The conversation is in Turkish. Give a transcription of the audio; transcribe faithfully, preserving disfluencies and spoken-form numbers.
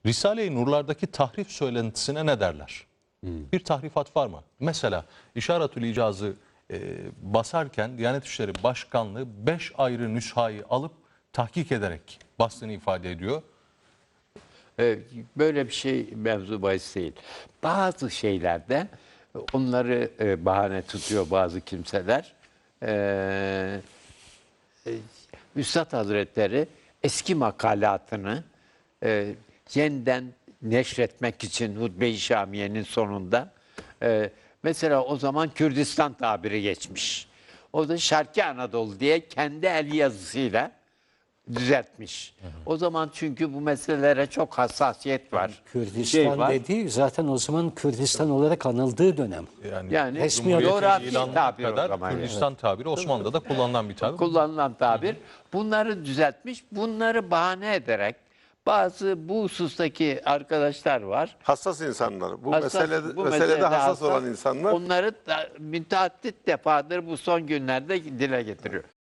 Risale-i Nurlardaki tahrif söylentisine ne derler? Hmm. Bir tahrifat var mı? Mesela İşaretül İcaz'ı e, basarken Diyanet İşleri Başkanlığı beş ayrı nüshayı alıp tahkik ederek bastığını ifade ediyor. Böyle bir şey mevzu bahis değil. Bazı şeylerde onları e, bahane tutuyor bazı kimseler. Ee, e, Üstad Hazretleri eski makalatını e, yeniden neşretmek için Hutbe-i Şamiye'nin sonunda e, mesela o zaman Kürdistan tabiri geçmiş. O da Şarkı Anadolu diye kendi el yazısıyla düzeltmiş. Hı hı. O zaman çünkü bu meselelere çok hassasiyet var. Kürdistan şey var. dediği zaten o zaman Kürdistan olarak anıldığı dönem. Yani, Yani resmi coğrafi tabir kadar o zaman. Kürdistan Yani. tabiri Osmanlı'da da kullanılan bir tabir. Kullanılan tabir. Bunları düzeltmiş. Bunları bahane ederek bazı bu husustaki arkadaşlar var. Hassas insanlar. Bu, Hassas, meselede, bu meselede meselede hassas hassas, olan insanlar. Onları da müteaddit defadır bu son günlerde dile getiriyor.